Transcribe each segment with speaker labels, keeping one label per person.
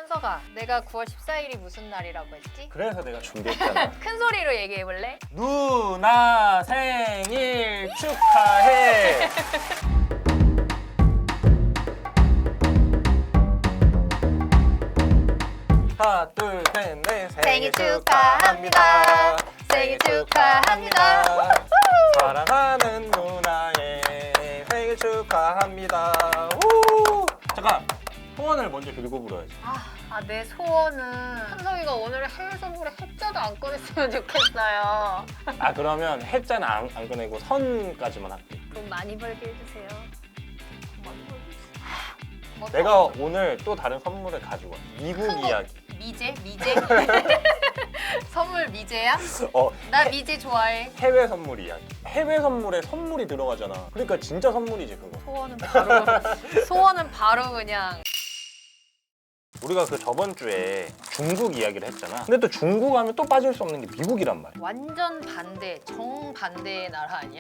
Speaker 1: 현서가 내가 9월 14일이 무슨 날이라고 했지?
Speaker 2: 그래서 내가 준비했잖아.
Speaker 1: 큰 소리로 얘기해볼래?
Speaker 2: 누나 생일 축하해. 하나 둘 셋 넷
Speaker 1: 생일 축하합니다. 생일 축하합니다.
Speaker 2: 사랑하는 누나의 생일 축하합니다. 우! 잠깐 소원을 먼저 빌고 불어야지.
Speaker 1: 내 소원은 현석이가 오늘 해외 선물에 해자도 안 꺼냈으면 좋겠어요.
Speaker 2: 그러면 해자는 안 꺼내고 선까지만 할게.
Speaker 1: 돈 많이 벌게 해주세요.
Speaker 2: 내가 오늘 또 다른 선물을 가지고 와. 미국
Speaker 1: 큰 거.
Speaker 2: 이야기.
Speaker 1: 미제? 선물 미제야?
Speaker 2: 어,
Speaker 1: 나 미제 좋아해.
Speaker 2: 해외 선물 이야기. 해외 선물에 선물이 들어가잖아. 그러니까 진짜 선물이지 그거.
Speaker 1: 소원은 바로 그냥.
Speaker 2: 우리가 그 저번 주에 중국 이야기를 했잖아. 근데 또 중국 하면 또 빠질 수 없는 게 미국이란 말이야.
Speaker 1: 완전 반대, 정반대의 나라 아니야?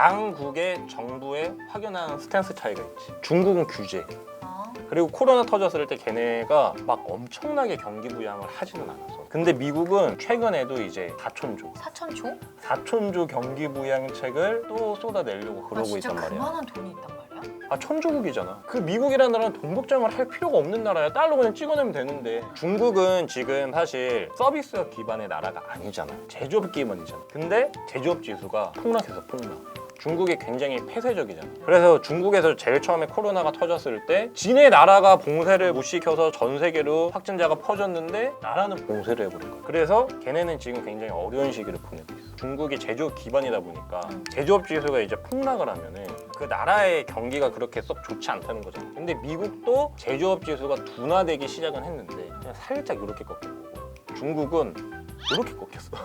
Speaker 2: 양국의 정부의 확연한 스탠스 차이가 있지. 중국은 규제.
Speaker 1: 어?
Speaker 2: 그리고 코로나 터졌을 때 걔네가 막 엄청나게 경기 부양을 하지는 않았어. 근데 미국은 최근에도 이제 4천조
Speaker 1: 4천조?
Speaker 2: 경기 부양책을 또 쏟아내려고 그러고
Speaker 1: 진짜
Speaker 2: 있단 말이야.
Speaker 1: 그만한 돈이 있단 말이야?
Speaker 2: 천조국이잖아. 그 미국이라는 나라는 돈 걱정을 할 필요가 없는 나라야. 달러 그냥 찍어내면 되는데. 중국은 지금 사실 서비스업 기반의 나라가 아니잖아. 제조업 기반이잖아. 근데 제조업 지수가 폭락해서 폭락. 중국이 굉장히 폐쇄적이잖아. 그래서 중국에서 제일 처음에 코로나가 터졌을 때 지네 나라가 봉쇄를 못 시켜서 전 세계로 확진자가 퍼졌는데 나라는 봉쇄를 해버린 거야. 그래서 걔네는 지금 굉장히 어려운 시기를 보내고 있어. 중국이 제조업 기반이다 보니까 제조업 지수가 이제 폭락을 하면은 그 나라의 경기가 그렇게 썩 좋지 않다는 거잖아. 근데 미국도 제조업 지수가 둔화되기 시작은 했는데 그냥 살짝 이렇게 꺾인 거고 중국은 이렇게 꺾였어.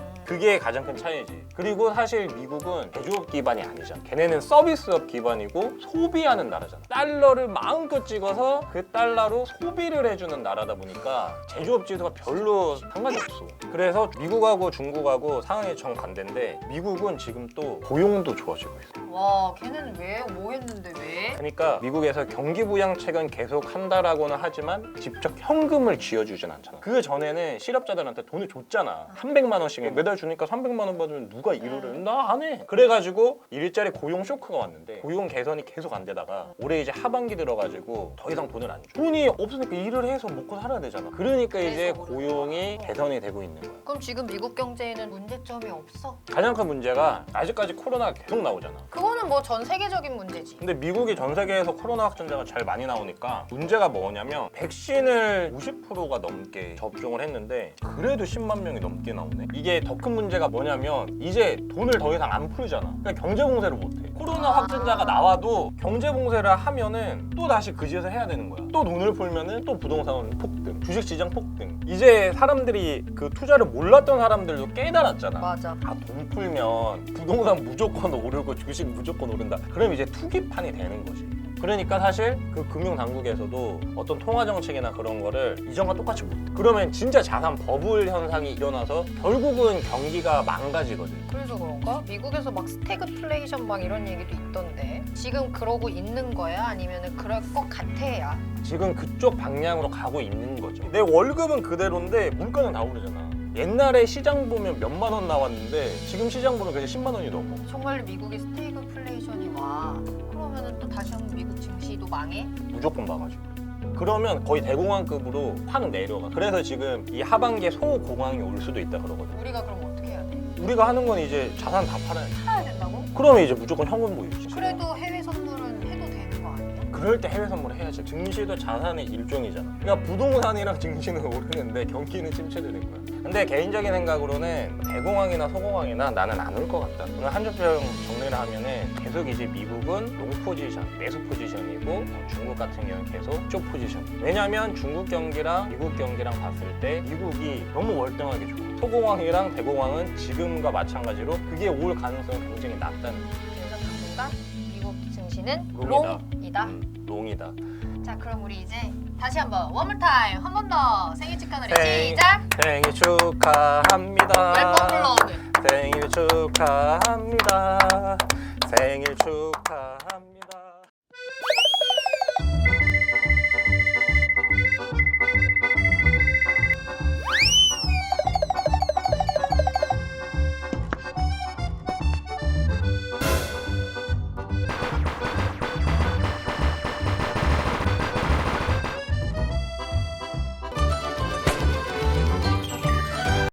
Speaker 2: 그게 가장 큰 차이지. 그리고 사실 미국은 제조업 기반이 아니잖아. 걔네는 서비스업 기반이고 소비하는 나라잖아. 달러를 마음껏 찍어서 그 달러로 소비를 해주는 나라다 보니까 제조업 지수가 별로 상관이 없어. 그래서 미국하고 중국하고 상황이 정반대인데 미국은 지금 또 고용도 좋아지고 있어.
Speaker 1: 와, 걔는 왜? 뭐 했는데 왜?
Speaker 2: 그러니까 미국에서 경기 부양책은 계속 한다라고는 하지만 직접 현금을 쥐어주진 않잖아. 그 전에는 실업자들한테 돈을 줬잖아. 300만 원씩 매달 주니까 300만 원 받으면 누가 일을 해? 나 안 해. 그래가지고 일자리 고용 쇼크가 왔는데 고용 개선이 계속 안 되다가 올해 이제 하반기 들어가지고 더 이상 돈을 안 줘. 돈이 없으니까 일을 해서 먹고 살아야 되잖아. 그러니까 이제 고용이 개선이 되고 있는 거야.
Speaker 1: 그럼 지금 미국 경제에는 문제점이 없어?
Speaker 2: 가장 큰 문제가 아직까지 코로나가 계속 나오잖아.
Speaker 1: 그거는 뭐 전 세계적인 문제지.
Speaker 2: 근데 미국이 전 세계에서 코로나 확진자가 제일 많이 나오니까 문제가 뭐냐면 백신을 90%가 넘게 접종을 했는데 그래도 10만 명이 넘게 나오네. 이게 더 큰 문제가 뭐냐면 이제 돈을 더 이상 안 풀잖아. 그러니까 경제 봉쇄를 못 해. 코로나 확진자가 나와도 경제 봉쇄를 하면은 또 다시 그 짓을 해야 되는 거야. 또 돈을 풀면은 또 부동산 폭등, 주식 시장 폭등. 이제 사람들이 그 투자를 몰랐던 사람들도 깨달았잖아.
Speaker 1: 맞아.
Speaker 2: 돈 풀면 부동산 무조건 오르고 주식 무조건 오른다. 그럼 이제 투기판이 되는 거지. 그러니까 사실 그 금융당국에서도 어떤 통화정책이나 그런 거를 이전과 똑같이 못해. 그러면 진짜 자산 버블 현상이 일어나서 결국은 경기가 망가지거든.
Speaker 1: 그래서 그런가? 미국에서 막 스태그플레이션 막 이런 얘기도 있던데 지금 그러고 있는 거야? 아니면 그럴 것 같아야?
Speaker 2: 지금 그쪽 방향으로 가고 있는 거죠. 내 월급은 그대로인데 물가는 다 오르잖아. 옛날에 시장 보면 몇만 원 나왔는데 지금 시장 보면 그냥 10만 원이 넘어.
Speaker 1: 정말 미국에 스태그플레이션이 와. 그러면은 또 다시 한번 미국 증시도 망해?
Speaker 2: 무조건 망하죠. 그러면 거의 대공황급으로 확 내려가. 그래서 지금 이 하반기에 소공황이 올 수도 있다 그러거든.
Speaker 1: 우리가 그럼 어떻게 해야 돼?
Speaker 2: 우리가 하는 건 이제 자산 다 팔아야지.
Speaker 1: 사야 된다고?
Speaker 2: 그러면 이제 무조건 현금 보유지.
Speaker 1: 그래도 해외 선물은 해도 되는 거 아니야?
Speaker 2: 그럴 때 해외 선물을 해야지. 증시도 자산의 일종이잖아. 그러니까 부동산이랑 증시는 오르는데 경기는 침체되는 거야. 근데 개인적인 생각으로는 대공황이나 소공황이나 나는 안 올 것 같다. 오늘 한 줄평 정리를 하면은 계속 이제 미국은 롱 포지션, 매수 포지션이고 중국 같은 경우는 계속 숏 포지션. 왜냐면 중국 경기랑 미국 경기랑 봤을 때 미국이 너무 월등하게 좋아. 소공황이랑 대공황은 지금과 마찬가지로 그게 올 가능성이 굉장히 낮다는 거야.
Speaker 1: 그래서 당분간 미국 증시는
Speaker 2: 롱이다.
Speaker 1: 롱이다.
Speaker 2: 롱이다.
Speaker 1: 자, 그럼 우리 이제 다시 한번 원물 타임 한 번 더 생일 축하 노래
Speaker 2: 생일.
Speaker 1: 시작.
Speaker 2: 생일 축하합니다.
Speaker 1: 10번 불러 오늘.
Speaker 2: 생일 축하합니다. 생일 축하합니다.